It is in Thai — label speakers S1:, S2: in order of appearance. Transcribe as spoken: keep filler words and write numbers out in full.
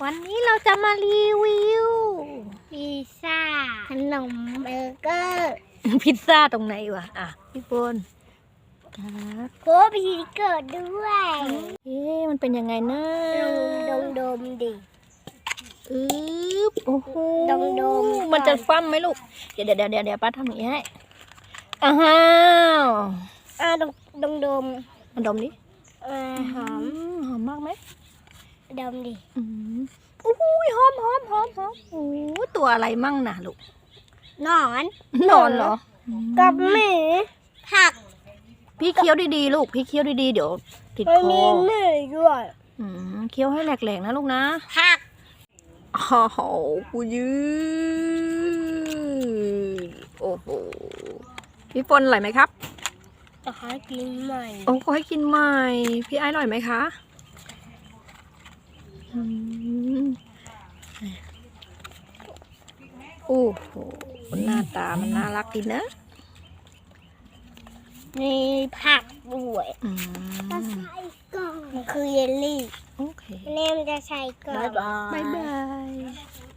S1: วันนี้เราจะมารีวิว
S2: พิซซ่าขนมเบอร์เกอร์
S1: พิซซ่าตรงไหนวะอ่ะพี่ปนครับ
S2: โคบีเกิดด้วย
S1: เอ๊ะมันเป็นยังไงนะ
S2: ดมดมดิ
S1: อึ๊บโอ้โห
S2: ดมดม
S1: มันจะฟั่มไหมลูกเดี๋ยวเดี๋ยวเดี๋ยวเดี๋ยวป้าทำอย่างนี้ให้อ้าว
S2: อ่าดมดมดม
S1: มันดมดิ
S2: อ่าหอม
S1: มหอมมากไหม
S2: ดมดิ
S1: อืมโอ้โหหอมหอมหอมหอมโอ้โหตัวอะไรมั่งนะลูก
S2: นอน
S1: นอนเหรอ
S2: กับหมูผัก
S1: พี่เคี้ยวดีๆลูกพี่เคี้ยวดีๆเดี๋ยวติด
S2: มัน
S1: ค
S2: มี
S1: อ
S2: หมูด้วย
S1: อืมเคี้ยวให้แหลกๆนะลูกนะ
S2: ผัก
S1: โอ้โหกูยืดโอ้โหพี่ปนอร่อยไหมครับ
S2: จะขอกินใหม่
S1: โอ้ขอให้กินใหม่พี่ไอ้อร่อยไหมคะอืมโอ้โหหน้าตามันน่ารักดีนะ
S2: มีผักด้วย
S1: อืม
S2: มันคือเยลลี่
S1: โอเค
S2: แม่มันจะใส่ก่อน
S1: บ๊ายบาย